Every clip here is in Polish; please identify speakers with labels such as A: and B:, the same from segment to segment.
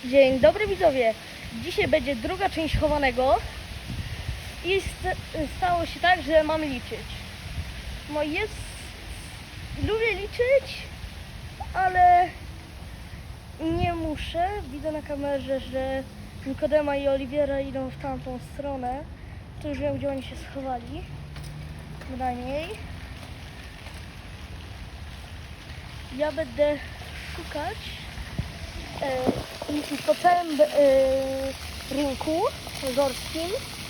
A: Dzień dobry widzowie. Dzisiaj będzie druga część chowanego i stało się tak, że mam liczyć. No lubię liczyć, ale nie muszę. Widzę na kamerze, że Nikodema i Oliwiera idą w tamtą stronę. To już wiem, gdzie oni się schowali. Bynajmniej. Ja będę szukać po całym rynku gorskim.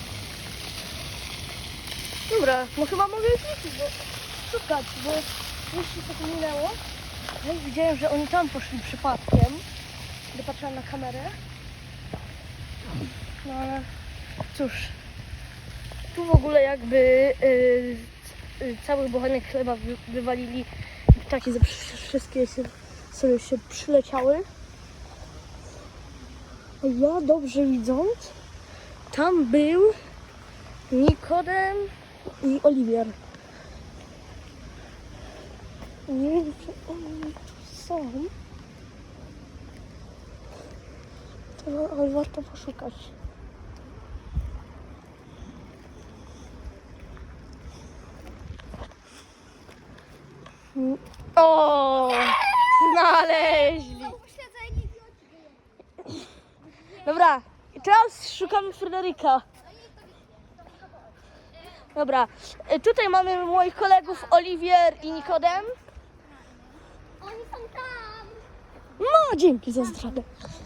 A: Dobra, no chyba mogę już liczyć, bo szukać, bo już się tak minęło. No i widziałem, że oni tam poszli przypadkiem, gdy patrzyłam na kamerę. No ale cóż, tu w ogóle jakby cały bochenek chleba wywalili. Takie wszystkie sobie się przyleciały. Ja dobrze widząc, tam był Nikodem i Oliwier. Nie wiem, czy oni są. Ale warto poszukać. O! Znaleźli! Dobra, teraz szukamy Fryderyka. Dobra, tutaj mamy moich kolegów Oliwier i Nikodem.
B: Oni są tam!
A: No, dzięki za zdradę.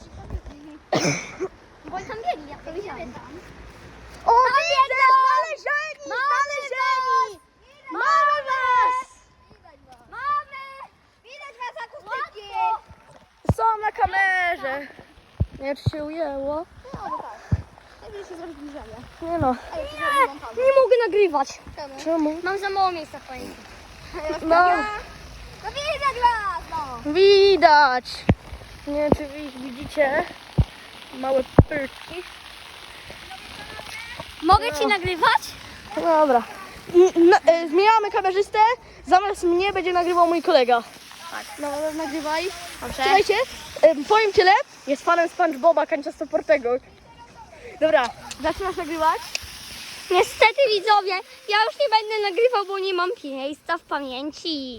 B: Bo oni tam biegli, jak to widziałem tam.
A: O, widzę! Znalezieni! Znalezieni! Mamy was!
B: Mamy! Widać was akustycznie!
A: Są na kamerze. Nie, czy się ujęło?
B: No, bo tak. Lepiej się zrobić bliżej.
A: Nie no.
B: Nie
A: Nie mogę nagrywać.
B: Czemu?
A: Czemu?
B: Mam za mało miejsca w pamięci.
A: No,
B: No widać was! No!
A: widać. Nie wiem, czy wy widzicie. Małe pyrki.
B: Mogę ci nagrywać?
A: No dobra. Zmieniamy kamerzystę. Zamiast mnie będzie nagrywał mój kolega.
B: Tak.
A: No, nagrywaj.
B: Dobrze.
A: Słuchajcie, powiem tyle. Jest fanem SpongeBoba Kanciastoportego. Dobra, zaczynasz nagrywać?
B: Niestety widzowie, ja już nie będę nagrywał, bo nie mam miejsca w pamięci.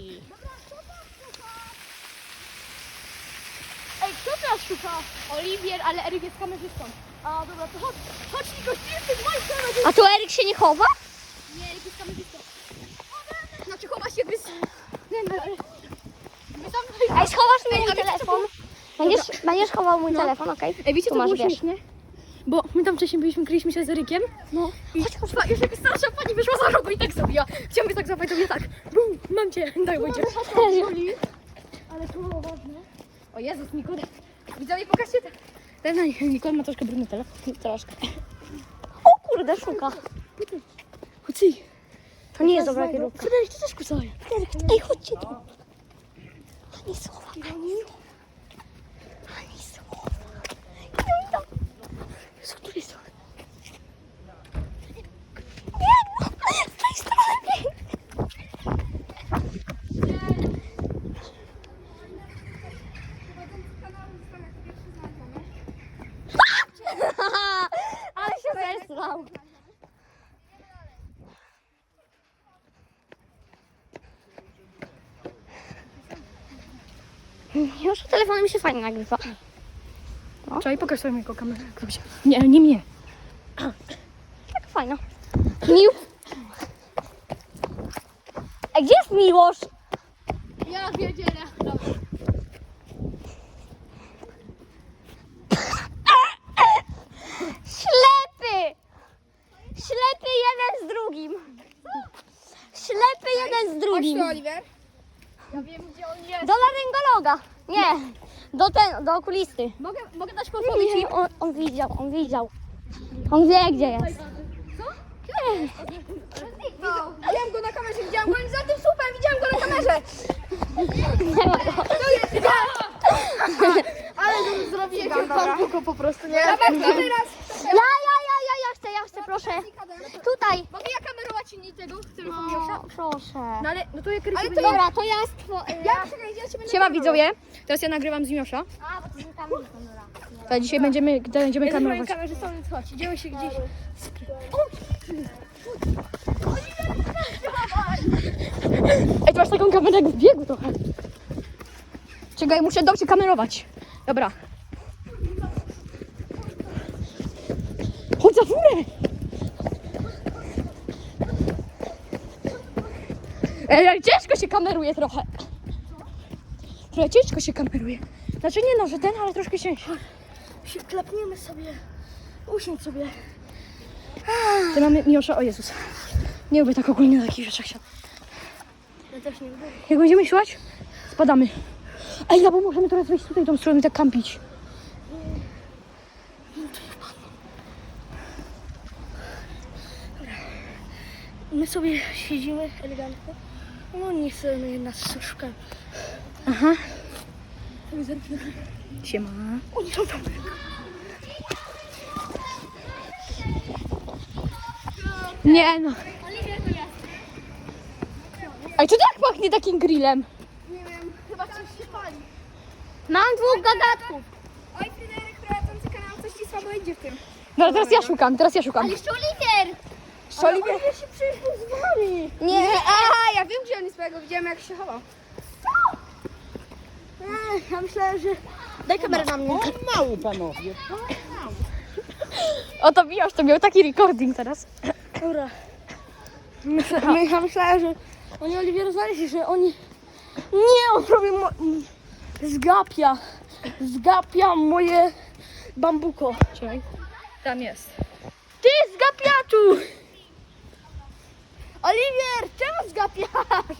A: Ej, kto teraz szuka?
B: Oliwier, ale Eryk jest kamerzystą.
A: A dobra, to chodź Niko, ty jesteś moim kamerzystą.
B: A tu Eryk się nie chowa?
A: Nie, Eryk jest kamerzystą.
B: Znaczy chowa się Ej, schowasz mi mój telefon. Będziesz chował mój telefon, okej?
C: Ej, wiecie
B: Tu
C: co
B: masz,
C: było
B: wiesz.
C: śmiesznie? Bo my tam wcześniej kryliśmy się z Erykiem.
B: No.
C: I już jakaś starsza pani wyszła za rogu i tak zrobiła. Chciałam tak złapać, to mnie tak. Bum, mam cię, tak będzie.
A: Ale to było ważne.
C: O Jezus, Nikodem. Widzowie, pokażcie te. Ten Nikodem ma troszkę brudny telefon. Troszkę.
B: O kurde, szuka.
C: Kucji.
B: To nie jest dobra kierunka.
C: Fryderyk, ty też kucaj.
B: Ej, chodźcie tu. Ani słowa, ani słowa. Ani słowa. Idą, idą.
C: Z której strony?
B: Biegną. Z tej strony biegną. Ale się zesrał. Już telefonem mi się fajnie nagrywa.
C: Czekaj, pokaż sobie mojego kamerę. Nie, nie mnie.
B: Tak fajno. A gdzie jest Miłosz?
C: Ja wiedzielę.
B: Ślepy! Ślepy jeden z drugim. Ślepy jeden z drugim.
C: Oliver. Ja wiem, gdzie on jest.
B: Do laryngologa. Nie, do okulisty.
C: Mogę dać podpowiedź?
B: Nie, on widział. On wie, gdzie jest.
C: Widziałam go na kamerze, widziałam go za tym słupem, widziałam go na kamerze.
B: Nie ma go.
A: Ale zrobicie pan Buko po prostu, nie?
B: Ja chcę, proszę. Tutaj.
C: Mogę ja kamerować inni tego, który
B: No, proszę.
C: No ale, no to jak rysuję.
B: Dobra, to ja
C: Ja ciebie
B: Siema widzowie.
C: Teraz ja nagrywam z Miosza.
B: A, bo to z kamerą.
C: To dzisiaj będziemy
A: Jesteśmy
C: kamerować.
A: kamerzystą, więc chodź, idziemy się gdzieś.
C: Ej, ty masz taką kamerę jak w biegu trochę. Czekaj, muszę dobrze kamerować. Dobra. Chodź za furę! Ej, ale ciężko się kameruje trochę. Trochę ciężko się kameruje. Znaczy nie no, że ten, ale troszkę ciężko.
A: Się klepniemy sobie. Usiądź sobie.
C: Ty mamy Miłosza, o Jezus. Nie lubię tak ogólnie na takich rzeczach siadać.
A: Ja też nie lubię.
C: Jak będziemy siłać, spadamy. Ej, no bo możemy teraz wejść tutaj tą stroną i tak kampić.
A: My sobie siedzimy elegancko. No nie chcemy nas szukają.
C: Aha. Siema.
A: Oni są tam.
C: Nie no. Ej, co tak pachnie takim grillem?
A: Nie wiem, chyba coś się pali.
B: Mam 2 gadatków.
A: Oj, Fryderyk, prowadzący kanał, coś ci słabo idzie w tym.
C: No teraz ja szukam.
B: Jeszcze Oliwier.
C: Szoliwie.
A: Ja się przyjechał z wami.
B: Nie,
A: Aha, ja wiem, gdzie on jest, bo ja go widziałem, jak się chował. Ja myślałem, że... Daj kamerę na mnie.
D: Mały panowie.
C: Oto Miłosz to miał taki recording teraz.
A: Dobra. Ja myślałem, że oni Oliwiera znaleźli, że oni... Nie, on robi... Zgapia moje bambuko.
C: Czekaj. Tam jest.
A: Ty zgapiaczu! Oliwier, czemu zgapiasz?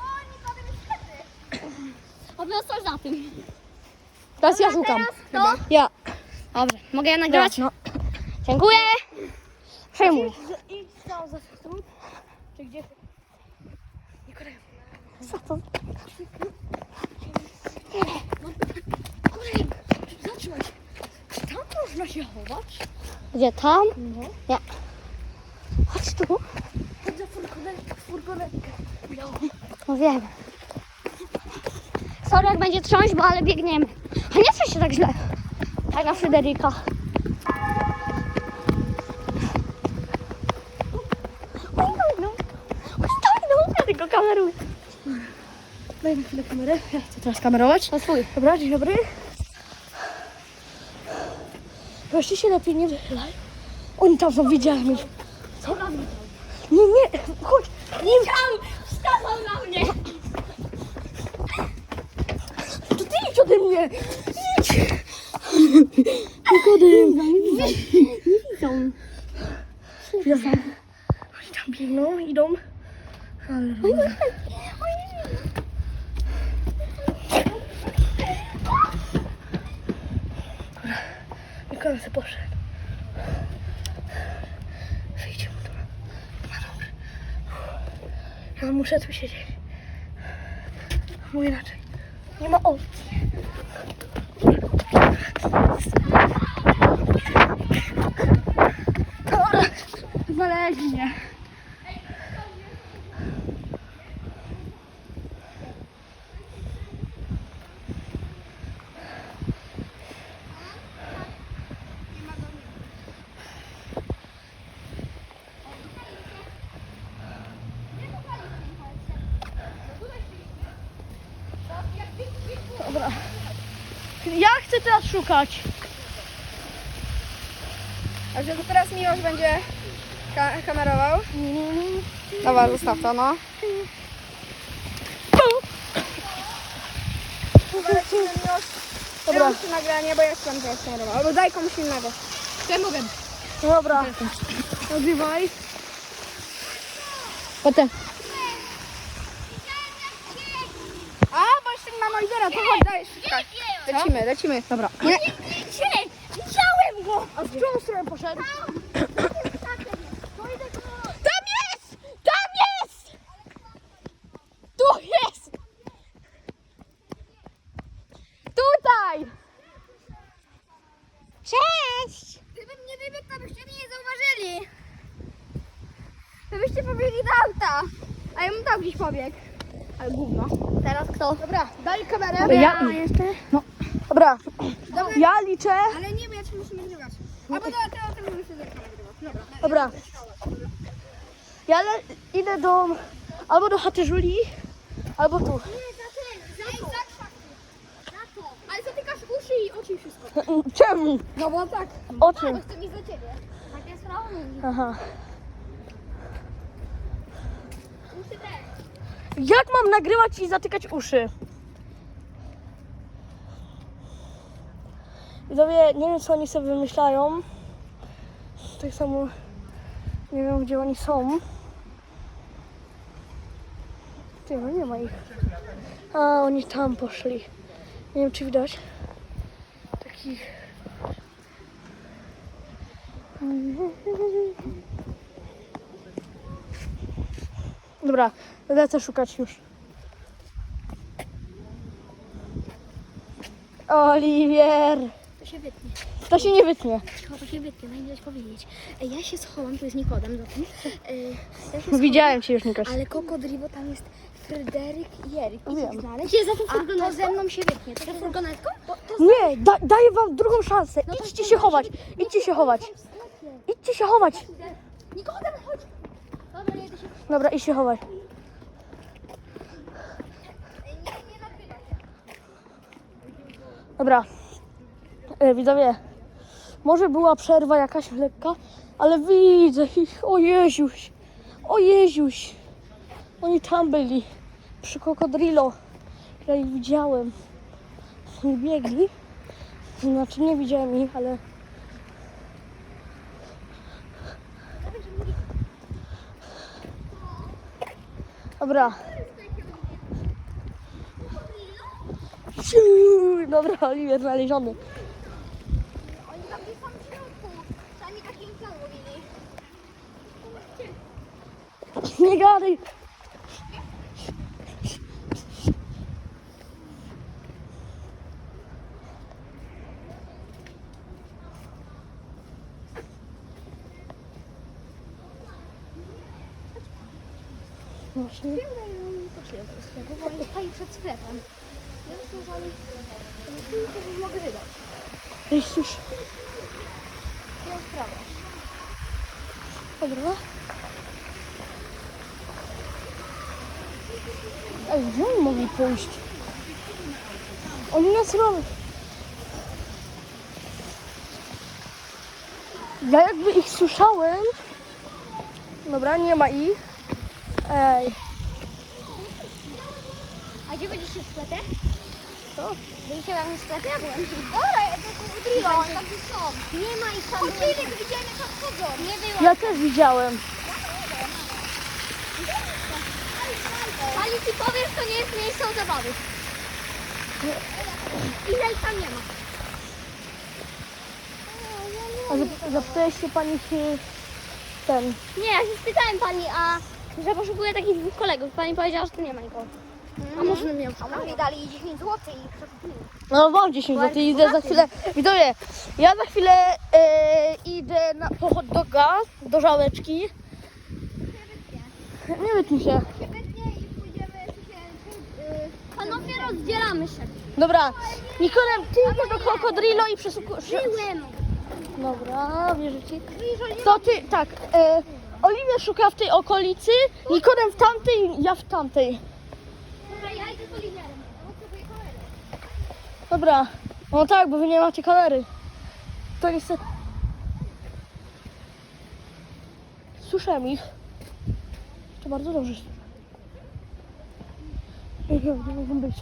B: Odniosłaś za tym.
C: Teraz ja szukam.
B: to?
C: Ja.
B: Dobrze, mogę ja nagrywać?
C: No.
B: Dziękuję.
C: Przejmuj.
A: Idź tam za stół. Czy gdzie?
C: Co to?
A: Zatrzymaj się. Czy tam można się chować?
B: Gdzie tam?
A: No.
B: Nie. Chodź tu.
A: Chodź za furgonetkę. Białą.
B: No wiem. Sorry, jak będzie trząść, bo ale biegniemy. A nie trząść się tak źle. Tak na Fryderyka. Oj, no. Stój, no. Ja tylko kameruję.
A: Daj mi chwilę kamerę. Ja chcę teraz kamerować.
B: To swój.
A: Dobra, dzień dobry. Proszę się lepiej nie wychylaj. Oni tam są, widziałem ich.
B: Co robi?
A: Nie, chodź.
B: Nie chciał! Wskazał na mnie!
A: To ty idź ode mnie. Idź. Nikodem.
B: Nie widzą.
A: Oni tam biegną, idą. Ale... Mikołaj sobie poszedł. Wyjdzie mu tu. No dobrze. Ja muszę tu siedzieć. Bo inaczej nie ma opcji. Dobra. Znaleźli mnie. Dobra. Ja chcę teraz szukać.
E: A że to teraz Miłosz będzie kamerował? Dobra, zostaw to, no. Dobra. Miłosz nagranie, bo ja chcę teraz kamerował. Albo daj komuś innego.
C: Ja mogę.
A: Dobra. Nagrywaj.
C: Potem.
E: A, bo jeszcze nie ma lidera, to chodź, dajesz. Tak. Lecimy.
C: Dobra.
E: Nie.
B: Widziałem go!
A: A w którą stronę poszedł?
C: Tam jest! Tam jest! Tu jest! Tutaj!
B: Cześć!
E: Gdybym nie wybiegł, to byście mnie nie zauważyli. Gdybyście pobiegli do auta. A ja bym tam gdzieś pobiegł. Ale gówno.
B: Teraz kto?
E: Dobra, daj kamerę.
C: Ja
A: jeszcze?
C: No.
A: Dobra. Ja liczę.
E: Ale nie Albo teraz możemy sobie nagrywać. Dobra.
A: Dobra. Ja idę albo do chaty Julii, albo tu.
E: Za to. Ale zatykasz uszy i oczy i wszystko.
A: Czemu?
E: No bo tak.
A: O czym?
E: Chcę mi za ciebie. Tak jest sprawa.
A: Aha.
E: Uszy też.
A: Jak mam nagrywać i zatykać uszy? Widzowie, nie wiem co oni sobie wymyślają. Tak samo nie wiem gdzie oni są. Ty, no nie ma ich. A, oni tam poszli. Nie wiem czy widać. Takich... Dobra, lecę szukać już. Oliwier!
B: To się wytnie.
A: To się nie wytnie.
B: To się wytnie, najmniej powiedzieć. Ja się schowam, to jest Nikodem za tym. Ja się
A: Widziałem cię już, Nikoś.
B: Ale Kokodriwo tam jest Fryderyk i Eryk. I
A: Wiem.
B: ich znaleźć. Gdzie za tą furgonetką? A to ze mną się wytnie. To za furgonetką?
A: Nie, daję wam drugą szansę. Idźcie się chować. Idźcie się chować. Idźcie się chować.
B: Nikodem, chodź! Dobra, jedę się.
A: Dobra, idź się chować. Dobra. Widzowie, może była przerwa jakaś lekka, ale widzę ich. O Jeziuś. O Jeziuś. Oni tam byli. Przy Kokodrilo. Ja ich widziałem. Oni biegli. Znaczy nie widziałem ich, ale... Dobra. Dobra, Oliwier znaleziony.
E: Oni tam gdzieś są w środku. Przynajmniej takim plan mówili.
A: Nie gadaj. Właśnie.
E: Oni stali przed sklepem. Ja myślę, że mogę wydać.
A: Jezus.
E: Ja sprawę.
A: Dobra. Ej, gdzie oni mogli pójść? Oni nas robią. Ja jakby ich słyszałem. Dobra, nie ma ich. Ej.
E: A gdzie będziesz w sklepie?
A: Co?
E: Byliście tam w sklepie? Ja byłem. Dobra, ja to Kodrilo, oni tam gdzieś są. Nie ma ich tam. Kodrilo, widziałem jak tam chodzą. Nie było.
A: Ja też widziałem.
E: Ali ci powiesz, to nie jest miejsce o zabawy. Ile ich tam nie ma?
A: A zapytałeś się pani czy ten...
B: Nie, ja się spytałem pani, a że poszukuję takich dwóch kolegów. Pani powiedziała, że tu nie ma nikogo. A może bym miał
E: A może mi dali 10 zł i przekupili.
A: No mam 10 zł, idę za chwilę. Widzowie, ja za chwilę idę na pochód do gaz, do żałeczki. Nie wytnij się.
E: Świetnie i pójdziemy
B: Panowie, rozdzielamy się.
A: Dobra, Nikodem, ty idziesz do Kokodrilo i przesłuchujesz.
B: Byłem.
A: Dobra, wierzę ci. To ty, tak. Oliwia szuka w tej okolicy, Nikodem w tamtej, ja w tamtej.
E: Dobra, ja idę z Oliwierem.
A: Dobra, no tak, bo wy nie macie kamery. To niestety... Słyszałem ich. To bardzo dobrze. Nie mogą być.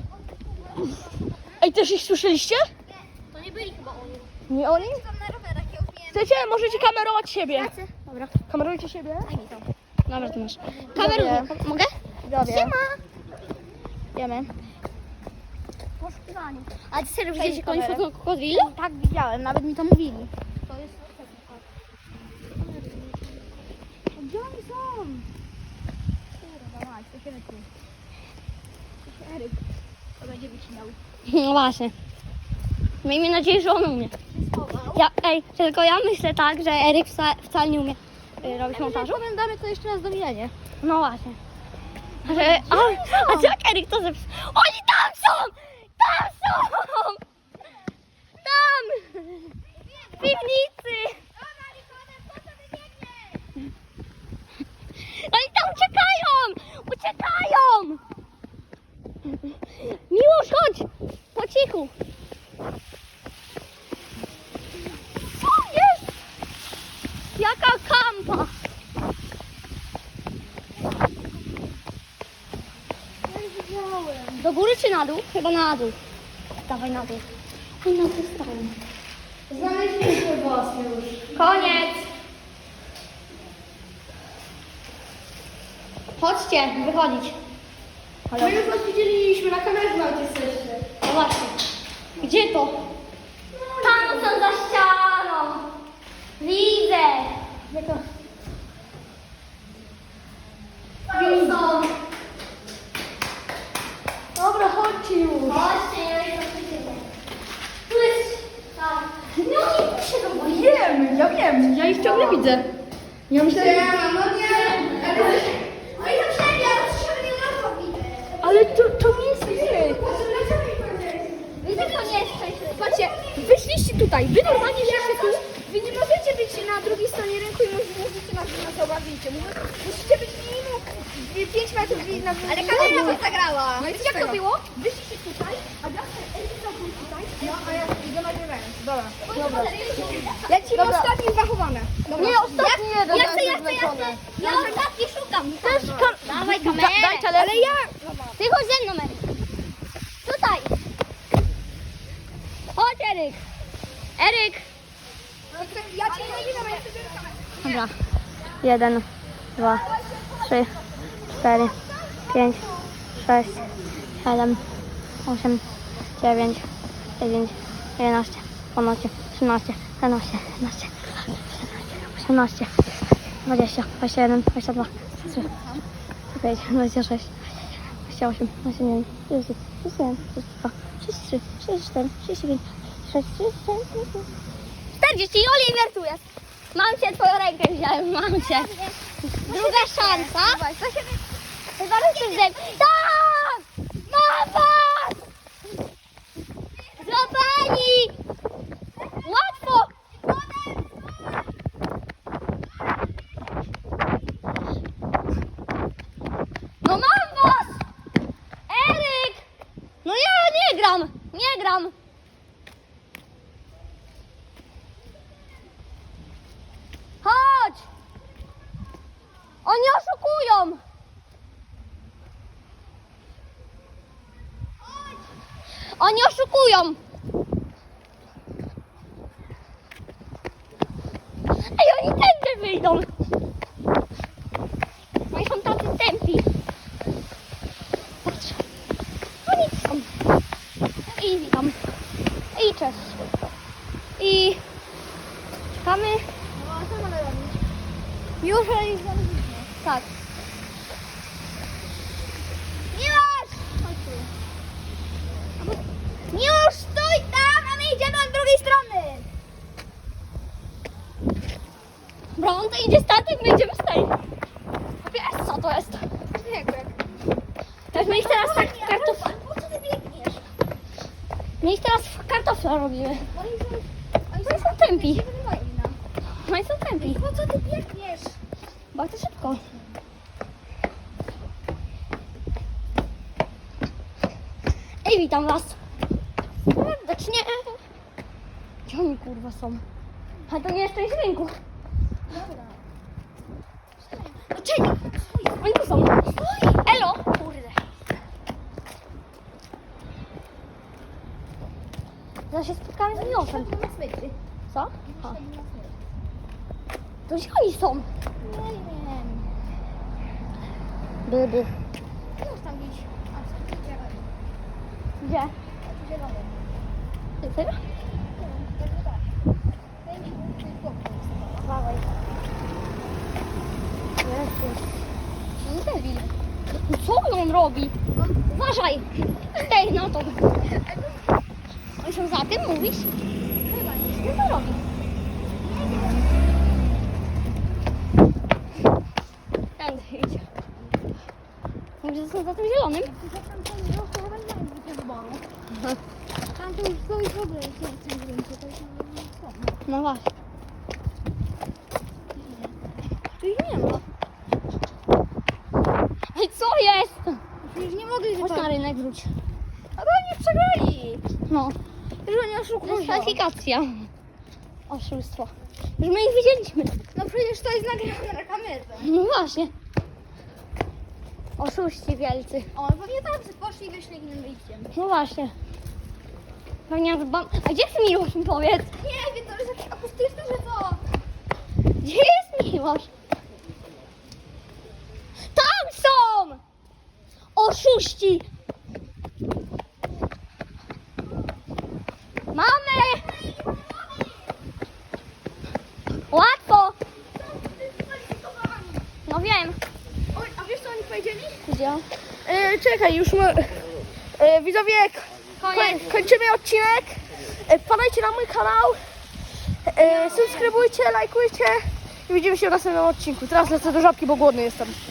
A: Ej, też ich słyszeliście?
B: To nie byli chyba oni.
A: Nie oni?
E: Tam na rowerach ja umiem.
A: Chcecie? Możecie kamerować siebie.
B: Dobra,
A: Kamerujcie siebie.
B: daj mi to. Dobra, to masz.
A: Kameruję.
B: Mogę?
A: Siema. Wiemy.
B: Poszukiwanie. A ty serio widzieliście
A: kamerę.
B: kogoś w Kokodrilu?
E: Tak, widziałem, nawet mi to mówili.
B: Gdzie oni są?
E: Kurwa mać, to się wytnie. Eryk, to będzie wycinał.
B: No właśnie. Miejmy nadzieję, że on umie. Tylko ja myślę tak, że Eryk wcale nie umie robić montażu.
E: Pamiętamy to jeszcze raz do widzenia.
B: No właśnie. A jak Eryk to zepsuł? Oni tam są! Tam są! Tam! W piwnicy! na dół? Chyba na dół. Dawaj na dół. I na dół stronę.
C: Znaleźliśmy was już.
B: Koniec. Chodźcie, wychodzić. Halo.
C: My już was widzieliśmy, na kamerze nawet jesteście.
B: No właśnie. Gdzie to? Tam są za ścianą. Widzę. Gdzie to? Tam są.
C: Dobra, chodźcie już.
B: Chodźcie, ja jestem przeciwny. Tu jest... Tam. No oni tu się robią.
C: Wiem, ja ich ciągle widzę. Ja myślę,
E: No nie. No i to wszędzie, ale to się nie robi.
C: ale to nie jest wy.
B: Widzę, to nie jest przejście.
C: Patrzcie, wyszliście tutaj, wy normalnie jesteście tu. Wy nie możecie być na drugiej stronie rynku i możecie nas zobaczyć. Musicie być minimum 5 metrów na
E: Ale kamera was zagrała.
C: No i jak to było? Wyszliście tutaj, a ja był tutaj. No, a ja idę nagrywając. Dobra. Lecimy ostatni zachowane.
B: Nie, ostatni jeden. Ja chcę. Ja ostatni szukam. Też dawaj kamerę.
C: Ale ja...
B: Ty chodź ze mną, Eryk. Tutaj. Chodź, Eryk. Eryk.
E: Ja cię nie widzę, bo ja sobie kamerę.
B: Dobra. 1, 2, 3, 4, 5, 6, 7, 8, 9, 10, 11, 12, 13, 14, 15, 18, 20, 21, 22, 23, 25, 26, 28, 29, 30, 31, 32, 33, 34, 35, 36, 37, 40. Oliver tu jest. Mam cię, twoją rękę wziąłem, mam cię. Druga szansa. Chyba chcesz ze mną. Tak! Mam was! Złapani! Łatwo! No mam was! Eryk! No ja nie gram! Nie gram! Chodź! Oni oszukują! Oni oszukują! Ej, oni tędy wyjdą! Oni są tacy tępi. Patrz. Oni tu są. I witam. I cześć. I czekamy.
E: No, co mamy robić?
B: Już ich znaleźliśmy. Tak.
E: Miłosz! Chodź tu. Miłosz, stój tam, a my idziemy od drugiej strony.
B: Dobra, on to idzie statek, my idziemy z tej. Wiesz co to jest? Tak, my ich teraz tak kartofla.
E: Po co ty biegniesz?
B: My ich teraz w kartofla robimy. Oni są tępi. Oni są tępi.
E: Po co ty biegniesz?
B: Bardzo szybko. Ej, witam was. Serdecznie. Gdzie oni kurwa są? A to nie jest część rynku.
E: No czekaj.
B: Oni tu są. Elo. Kurde. Zaraz się spotkamy z Miłoszem. Co? A. To gdzie oni są?
E: Nie wiem.
B: Byby.
E: Miłosz tam gdzieś. A, co ty działasz?
B: Gdzie?
E: Zielony.
B: Ty serio?
E: Dawaj.
B: No debil. No co on robi? Uważaj! Stej na to. Oni są za tym, mówisz?
E: Chyba nie.
B: Co to robi? Tędy idzie. Mówisz, że są za tym zielonym?
E: Tam to już stoi w ogóle, jest w tym rynku, to już nie są.
B: No właśnie. Tu ich nie ma. Ej, co jest?
E: Już nie mogli
B: Chodź na rynek wróć.
E: A bo oni przegrali.
B: No.
E: Już oni oszukują.
B: Dyskwalifikacja. Oszustwo. Już my ich widzieliśmy.
E: No przecież to jest nagrane na kamerze.
B: No właśnie. Oszuści wielcy.
E: O, pewnie tam poszli i wyszli innym wyjściem.
B: No właśnie. Pewnie A gdzie jest Miłosz, mi powiedz?
E: Nie wiem, to jest jakieś akustyczne, że co?
B: Gdzie jest Miłosz? Tam są! Oszuści! Mamy! Łatwo! No wiem.
C: Oj, a wiesz co oni powiedzieli?
B: Gdzie?
A: Czekaj, już widzowie, kończymy odcinek. Wpadajcie na mój kanał. Subskrybujcie, lajkujcie i widzimy się w następnym odcinku. Teraz lecę do żabki, bo głodny jestem.